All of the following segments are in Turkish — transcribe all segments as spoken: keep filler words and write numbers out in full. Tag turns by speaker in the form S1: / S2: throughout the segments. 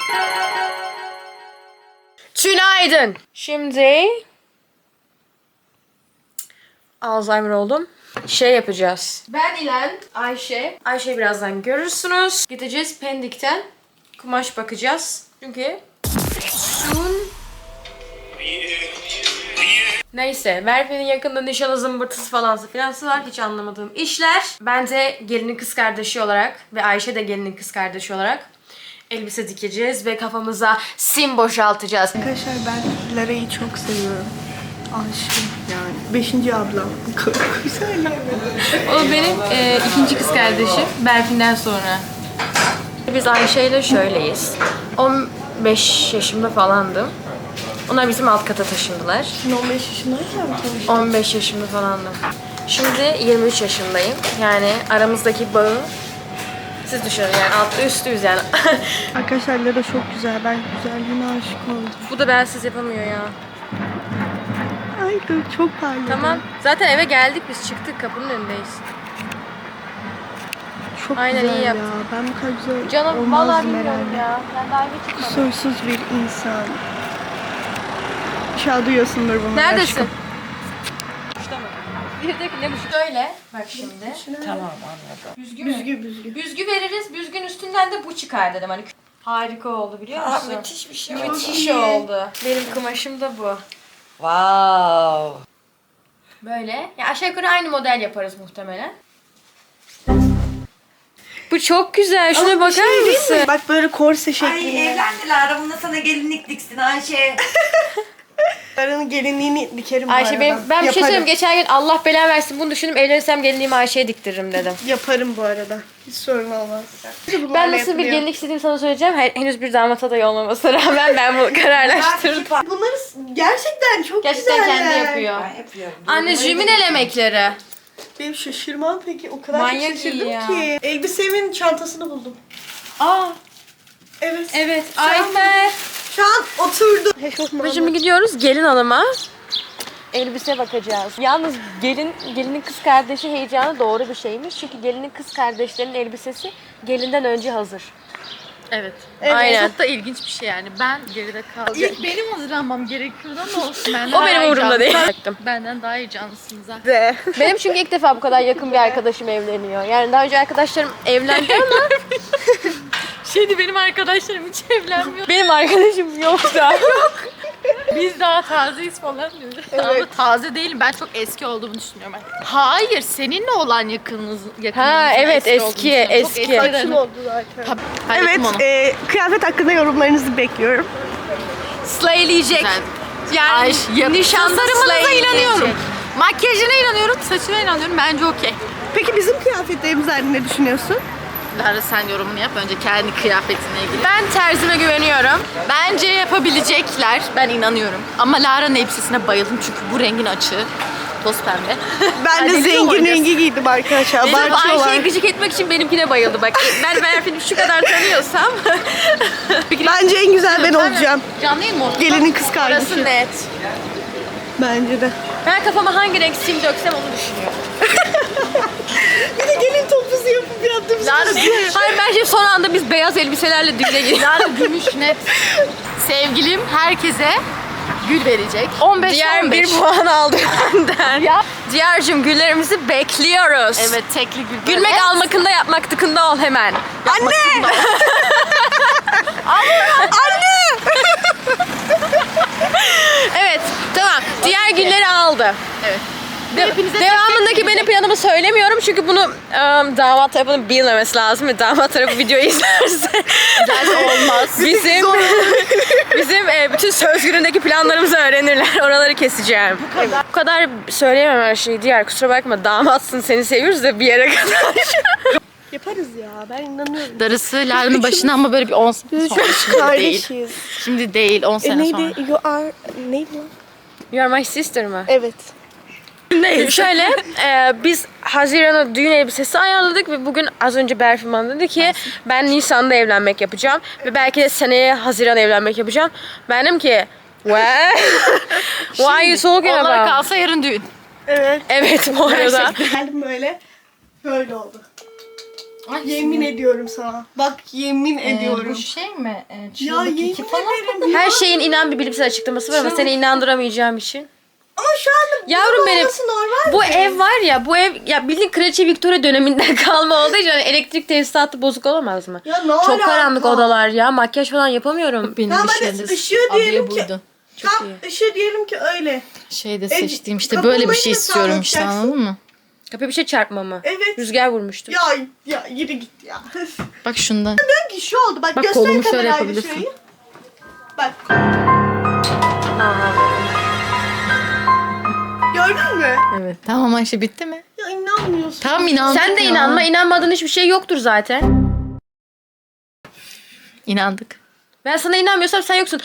S1: Günaydın. Şimdi Alzheimer oldum. Şey yapacağız. Ben ile Ayşe. Ayşe'yi birazdan görürsünüz. Gideceğiz Pendik'ten kumaş bakacağız. Çünkü şun... Neyse, Merve'nin yakında nişanı zımbırtısı falansı filansı var. Hiç anlamadığım işler. Ben de gelinin kız kardeşi olarak ve Ayşe de gelinin kız kardeşi olarak elbise dikeceğiz ve kafamıza sim boşaltacağız.
S2: Arkadaşlar ben Lara'yı çok seviyorum. Aşığım yani. Beşinci ablam. Güzel.
S1: O benim e, ikinci kız kardeşim. Berfin'den sonra. Biz Ayşe ile şöyleyiz. on beş yaşımda falandım. Onlar bizim alt kata taşındılar.
S2: Sen on beş yaşındayken mi tanıştın?
S1: on beş yaşımda falandım. Şimdi yirmi üç yaşındayım. Yani aramızdaki bağı siz düşünün yani altlı üstlüyüz yani.
S2: Arkadaşlar Lara çok güzel. Ben güzelliğine aşık oldum.
S1: Bu da bensiz yapamıyor ya.
S2: Ay dur çok parladı.
S1: Tamam. Zaten eve geldik biz çıktık kapının önündeyiz.
S2: Çok
S1: Aynen,
S2: güzel
S1: iyi
S2: ya.
S1: yaptın.
S2: Ben bu kadar güzel
S1: Canım
S2: olmazdım
S1: vallahi bilmiyorum
S2: herhalde.
S1: ya. Ben daha eve çıkmadım.
S2: Kusursuz bir insan. İnşallah duyuyorsundur bunları.
S1: Neredesin?
S2: aşkım.
S1: Birdeki ne bu? Şöyle. Bak şimdi.
S3: Tamam anladım.
S1: Büzgü mü?
S2: Büzgü büzgü.
S1: Büzgü veririz. Büzgün üstünden de bu çıkar dedim. Hani harika oldu biliyor
S3: Aa,
S1: musun?
S3: müthiş bir şey.
S1: Müthiş
S2: iyi.
S1: oldu. Benim kumaşım da bu.
S3: Wow.
S1: Böyle. Ya aşağı yukarı aynı model yaparız muhtemelen. Bu çok güzel. Şuna
S2: Ama bir
S1: bakar
S2: şey değil mi?
S1: mısın?
S2: Bak böyle korse
S3: Ay
S2: şeklinde.
S3: evlendiler. Bunda sana gelinlik diksin Ayşe.
S2: Lara'nın gelinliğini dikerim bu
S1: Ayşe
S2: arada.
S1: benim, ben bir şey
S2: Yaparım.
S1: söyleyeyim. Geçen gün Allah belanı versin bunu düşündüm. Evlenirsem gelinliğimi Ayşe'ye diktiririm dedim.
S2: Yaparım bu arada. Hiç sorun olmaz.
S1: Ben nasıl bir gelinlik istediğimi sana söyleyeceğim. Hen- Henüz bir damat adayı olmamasına rağmen ben bunu kararlaştırdım.
S2: Bunları gerçekten çok
S1: Gerçekten
S2: güzeller.
S1: kendi yapıyor.
S3: Ben yapıyorum.
S1: Anneciğimin el emekleri.
S2: Benim şaşırmam peki. O kadar
S1: Manyak
S2: çok şaşırdım
S1: iyi ya.
S2: ki. Elbisemin çantasını buldum.
S1: Aa,
S2: Evet.
S1: evet.
S2: Şu an-
S1: Ayfer.
S2: Şu an oturdu.
S1: Şimdi gidiyoruz gelin hanıma. Elbise bakacağız. Yalnız gelin gelinin kız kardeşi heyecanı doğru bir şeymiş. Çünkü gelinin kız kardeşlerinin elbisesi gelinden önce hazır.
S4: Evet.
S1: Aynen.
S4: Çok da ilginç bir şey yani. Ben geride kaldım. İlk benim hazırlanmam gerekiyordu ama olsun. Benden
S1: O benim
S4: daha iyi
S1: umurumda değil.
S4: cansınız. Benden daha iyi cansınız ha.
S2: De.
S1: Benim çünkü ilk defa bu kadar yakın bir arkadaşım evleniyor. Yani daha önce arkadaşlarım evlendi ama
S4: Şeydi benim arkadaşlarım hiç evlenmiyor.
S1: benim arkadaşım yoksa.
S4: Biz daha tazeyiz falan diyoruz. Ama taze değilim. Ben çok eski olduğumu düşünüyorum. Ben. Hayır, seninle olan yakınınız yakınınızın
S1: Ha, evet,
S4: eski olduğunu
S1: eski,
S4: düşünüyorum. Çok
S1: eski.
S4: eski
S2: Kaçım
S4: dedim.
S2: oldu zaten.
S4: Ha, hallettim
S2: Evet,
S4: onu.
S2: e, kıyafet hakkında yorumlarınızı bekliyorum.
S1: Slayleyecek.
S4: Güzel. Yani
S1: Ay, yapısı
S4: nişanlarımıza
S1: slay
S4: inanıyorum.
S1: diyecek.
S4: Makyajına inanıyorum, saçına inanıyorum. Bence okey.
S2: Peki bizim kıyafetlerimiz hakkında ne düşünüyorsun?
S4: Lara sen yorumunu yap. Önce kendi kıyafetine ilgili.
S1: Ben terzime güveniyorum.
S4: Bence yapabilecekler. Ben inanıyorum. Ama Lara'nın elbisesine bayıldım çünkü bu rengin açığı. Toz pembe.
S2: Ben de
S4: Hadi
S2: zengin
S4: oynayacağız.
S2: rengi giydim arkadaşlar.
S1: Benim
S2: Abartıyorlar.
S1: Ayşe'yi gıcık etmek için benimkine bayıldı bak. Ben Berfin'i şu kadar tanıyorsam.
S2: Bence en güzel ben olacağım.
S4: Canlı yayın mı oldu?
S2: Gelinin kız
S1: Orası
S2: kardeşi.
S1: net.
S2: Bence de.
S1: Ben kafama hangi renk sim döksem onu düşünüyorum.
S2: Bir de gelin topuzu yapıp yaptığımız
S1: Lara, hayır bence son anda biz beyaz elbiselerle düğüne gidiyoruz.
S4: Lara gümüş net. Sevgilim herkese gül verecek. on beş
S1: Diğer
S4: on beş.
S1: bir puan aldı benden.
S4: Ya.
S1: Diğer'cim güllerimizi bekliyoruz.
S4: Evet tekli gül.
S1: Gülmek
S4: Evet.
S1: almakında yapmak tıkında ol hemen.
S2: Anne! Anne!
S1: Evet tamam. Diğer gülleri aldı.
S4: Evet.
S1: De-
S4: Hepinize
S1: devamındaki
S4: tek tek
S1: benim planımı söylemiyorum çünkü bunu ım, damat tarafının bilmemesi lazım ve damat tarafı videoyu izlerse
S4: olmaz.
S1: bizim bizim e, bütün söz günündeki planlarımızı öğrenirler. Oraları keseceğim. Bu kadar, bu kadar söyleyemem her şeyi. Diğer kusura bakma damatsın seni seviyoruz da bir yere kadar.
S2: Yaparız ya, ben inanıyorum.
S4: Darısı Lara'nın başına ama böyle bir on sene sonra. Şimdi değil.
S2: Kardeşiz.
S4: Şimdi değil on
S2: E,
S4: sene sonra.
S2: neydi? You are... Neydi lan?
S1: You are my sister mı?
S2: Evet.
S1: Değil. Şöyle e, biz Haziran'a düğün elbisesi ayarladık ve bugün az önce Berfin bana dedi ki ben Nisan'da evlenmek yapacağım ve belki de seneye Haziran evlenmek yapacağım. Ben dedim ki what? Why are you talking
S4: Onlar
S1: about?
S4: kalsa yarın düğün.
S2: Evet.
S1: Evet bu arada.
S2: Geldim böyle. Böyle oldu.
S4: Ay,
S2: Yemin ediyorum sana. Bak yemin
S4: Ee,
S2: ediyorum.
S4: bu şey mi? Ee,
S2: Ya
S4: çığlık
S2: yemin
S4: iki falan.
S2: ederim.
S1: Her şeyin inan bir bilimsel açıklaması var ama seni inandıramayacağım için.
S2: Ama şu anda
S1: Yavrum benim,
S2: olması normal
S1: bu
S2: mi?
S1: ev var ya, bu ev ya bildiğin Kraliçe Victoria döneminden kalma olduğu için hani elektrik tesisatı bozuk olamaz mı?
S2: Ya ne
S1: Çok
S2: alaka?
S1: karanlık odalar ya, makyaj falan yapamıyorum.
S4: Benim
S2: Tamam,
S4: bir
S2: hadi
S4: şeyde
S2: ışığı diyelim
S4: abiye
S2: ki-
S4: buydu.
S2: Tam ışığı diyelim ki öyle.
S4: Şeyde
S2: E,
S4: seçtiğim işte
S2: kapıyı
S4: böyle bir şey
S2: nasıl
S4: istiyorum işte,
S2: anlatacaksın?
S4: anladın mı?
S1: Kapıya bir şey çarpma mı?
S2: Evet.
S1: Rüzgar vurmuştu.
S2: Ya ya yürü git ya.
S4: Bak şundan.
S2: Diyorum ki şu oldu. Bak,
S4: Bak,
S2: göster
S4: kolumu şöyle
S2: kamerayla
S4: yapabilirsin.
S2: şurayı. Bak. Gördün mü?
S4: Evet. Tamam Ayşe, bitti mi?
S2: Ya inanmıyorsun.
S4: Tam inandık
S1: Sen de
S4: ya.
S1: inanma, inanmadığın hiçbir şey yoktur zaten.
S4: İnandık.
S1: Ben sana inanmıyorsam sen yoksun.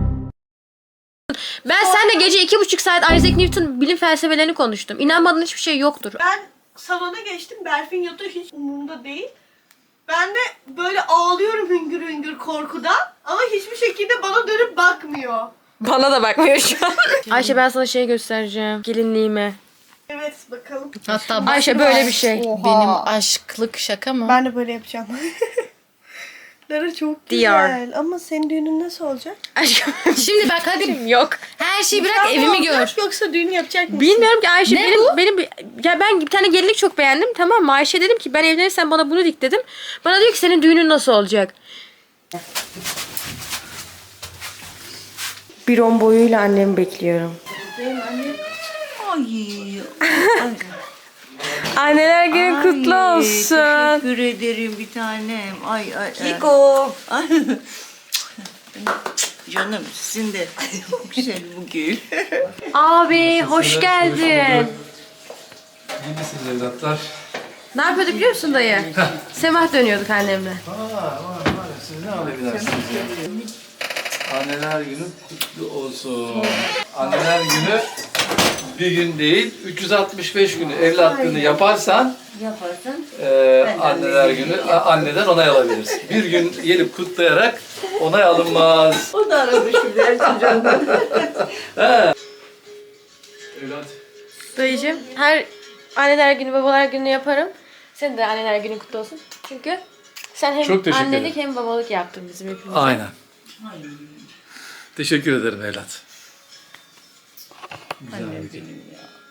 S1: Ben seninle gece iki buçuk saat Isaac Newton bilim felsefelerini konuştum. İnanmadığın hiçbir şey yoktur.
S2: Ben salona geçtim. Berfin yatıyor, hiç umurumda değil. Ben de böyle ağlıyorum hüngür hüngür korkudan. Ama hiçbir şekilde bana dönüp bakmıyor.
S1: Bana da bakmıyor şu an. Ayşe, ben sana şey göstereceğim. Gelinliğimi.
S2: Evet, bakalım.
S4: Hatta
S1: Ayşe, böyle bir şey.
S4: benim aşklık şaka mı?
S2: Ben de böyle yapacağım. Lara çok
S1: Diyar.
S2: güzel. Ama senin düğünün nasıl olacak?
S1: Aşkım,
S4: Şimdi bak hadi.
S1: yok.
S4: Her şeyi bırak,
S2: Nikah mı
S4: evimi
S2: olacak,
S4: gör.
S2: Yoksa düğün yapacak mısın?
S1: Bilmiyorum ki Ayşe,
S4: Ne
S1: benim
S4: bu?
S1: benim bir- ya ben bir tane gelinlik çok beğendim, tamam mı? Ayşe dedim ki ben evlenirsem bana bunu dik dedim. Bana diyor ki senin düğünün nasıl olacak? Bir on boyuyla annemi bekliyorum.
S3: Ay.
S1: Anneler günü kutlu olsun.
S3: Teşekkür ederim bir tanem. Ay ay.
S5: Kiko.
S3: Ay. Canım sizin de çok güzel bu gül.
S1: Abi hoş geldin.
S6: İyi misiniz evlatlar?
S1: Ne yapıyorduk biliyor musun dayı? Semah dönüyorduk annemle.
S6: Aa, var var. Siz ne alabilirsiniz ya? Anneler günü kutlu olsun. Anneler günü bir gün değil, üç yüz altmış beş günü evlatlığını yaparsan
S5: Yaparsan.
S6: e, anneler günü a- anneden onay alabilirsin. Bir gün gelip kutlayarak onay alınmaz.
S5: O da aradı şimdi Ertuğrul'dan.
S6: Evlat.
S1: Dayıcığım, her anneler günü babalar günü yaparım. Senin de anneler günün kutlu olsun. Çünkü sen hem
S6: Çok teşekkür
S1: annelik
S6: ederim.
S1: hem babalık yaptın bizim hepimize.
S6: Aynen. Teşekkür ederim evlat. Güzel bir gün.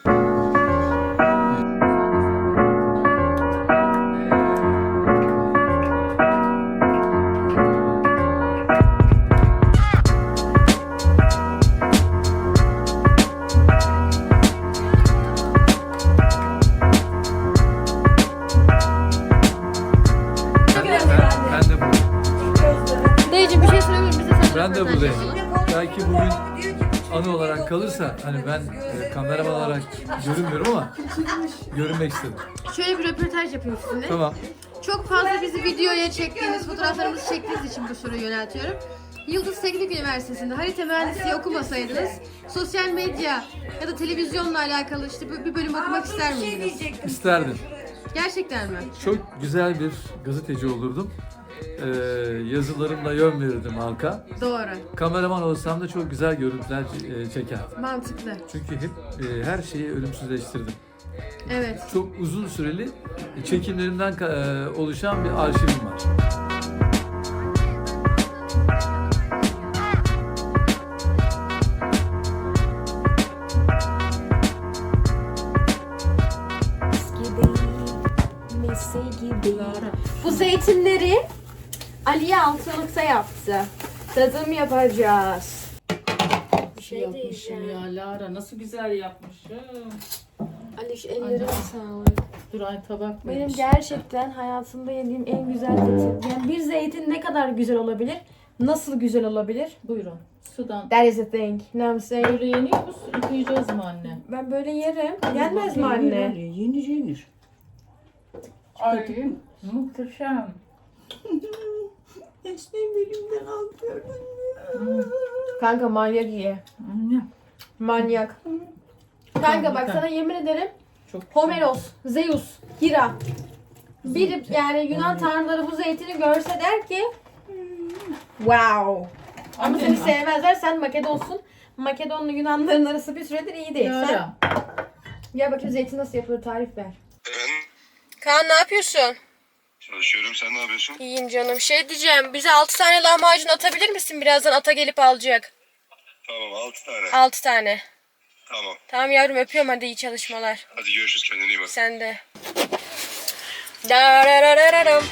S6: Ben, ben, ben de buradayım.
S1: Dayıcığım bir şey söyleyebilir miyim? Biz de sana
S6: Ben de buradayım. Belki bugün anı olarak kalırsa hani ben e, kameraman olarak görünmüyorum ama görünmek istedim.
S1: Şöyle bir röportaj yapayım sizinle.
S6: Tamam.
S1: Çok fazla bizi videoya çektiğiniz, fotoğraflarımızı çektiğiniz için bu soruyu yöneltiyorum. Yıldız Teknik Üniversitesi'nde harita mühendisliği okumasaydınız sosyal medya ya da televizyonla alakalı işte bir bir bölüm okumak ister miydiniz?
S6: İsterdim.
S1: Gerçekten mi?
S6: Çok güzel bir gazeteci olurdum. Ee, yazılarımla yön verirdim halka.
S1: Doğru.
S6: Kameraman olsam da çok güzel görüntüler e, çekerdim.
S1: Mantıklı.
S6: Çünkü hep e, her şeyi ölümsüzleştirdim.
S1: Evet.
S6: Çok uzun süreli çekimlerimden e, oluşan bir arşivim var.
S1: Bu zeytinleri Aliye Altınlık'ta yaptı. Tadım yapacağız.
S7: Yapmışım ya Lara, nasıl güzel yapmışım.
S1: Ali ellerine sağlık.
S7: Dur ay tabak
S1: Benim
S7: vermiş.
S1: gerçekten hayatımda yediğim en güzel zeytin. Yani bir zeytin ne kadar güzel olabilir? Nasıl güzel olabilir?
S7: Buyurun. Sudan.
S1: That is the thing. You know what I'm saying?
S7: Böyle yeniyor musun? Yıkayacağız mı anne?
S1: Ben böyle yerim. Yenmez mi anne?
S3: Yenir yenir.
S7: Ay muhteşem.
S3: Esneyim elimden al gördün mü?
S1: Kanka manyak iyi.
S7: Anne.
S1: Manyak. Kanka bak
S7: Harika.
S1: sana yemin ederim
S7: Çok güzel.
S1: Homeros, Zeus, Hira. Bir yani Yunan tanrıları bu zeytini görse der ki wow. Ama seni sevmezler, sen Makedonsun. Makedonlu Yunanların arası bir süredir iyi değil. Sen
S7: Lara.
S1: gel bakayım zeytin nasıl yapılır, tarif ver. Kaan ne yapıyorsun?
S8: Çalışıyorum. Sen ne yapıyorsun?
S1: İyiyim canım. Şey diyeceğim. Bize altı tane lahmacun atabilir misin? Birazdan ata gelip alacak.
S8: Tamam altı tane.
S1: altı tane.
S8: Tamam.
S1: Tamam yavrum öpüyorum, hadi iyi çalışmalar.
S8: Hadi görüşürüz. Kendine iyi bak.
S1: Sen de. Dararararam.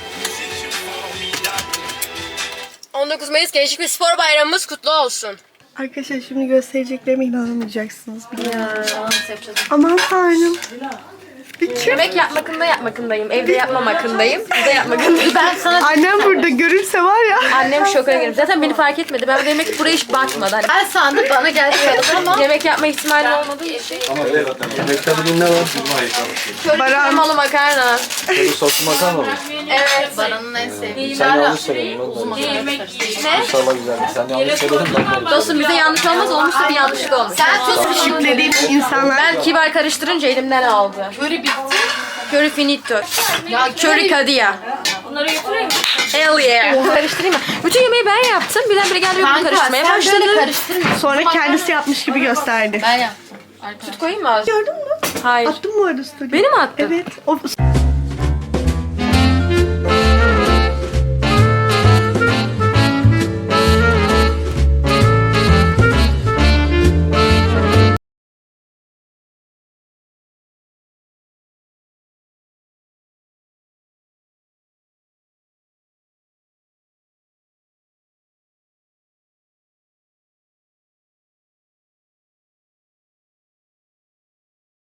S1: on dokuz Mayıs Gençlik ve Spor Bayramımız kutlu olsun.
S2: Arkadaşlar şimdi göstereceklerime inanamayacaksınız. Biliyorum. Aman tanrım.
S1: Yemek yapmakında yapmakındayım. Evde yapmamakındayım. Burada yapmakındayım. Ben sana
S2: Annem burada görürse var ya.
S1: annem şoka girer. Zaten beni fark etmedi. Ben demek ki buraya hiç bakmadı. Hani
S4: Ben sandım bana geldi ama
S1: yemek yapma ihtimali olmadığı için.
S6: Ama yemekte bugün ne var?
S1: Köri
S2: Baran.
S1: kremalı makarna.
S6: Böyle soslu makarna mı?
S1: Evet.
S4: Baran'ın en sevdiği.
S6: Sen yanlış söyledin.
S1: Ne?
S6: İnşallah güzelmiş. Sen yanlış söyledin. Ben
S1: Dostum bize yanlış olmaz. Olmuşsa bir yanlışlık olmuş.
S4: Sen tuz
S2: Şükrediğim insanlar.
S1: Ben kibar karıştırınca elimden aldı.
S4: köri bitti.
S1: Köri finito.
S4: Ya
S1: Köri kadia. Bunları götüreyim mi? Hell yeah. Karıştırayım mı? Bütün yemeği ben yaptım. Birdenbire geldi bunu
S4: Kanka
S1: karıştırmaya
S4: sen
S1: başladı.
S4: böyle karıştırma.
S2: Sonra kendisi yapmış gibi gösterdi.
S4: Ben yaptım. Arkadaşlar.
S1: Koyayım mı az?
S2: Gördün mü?
S1: Hayır.
S2: Attım bu arada story.
S1: Beni mi attın?
S2: Evet. O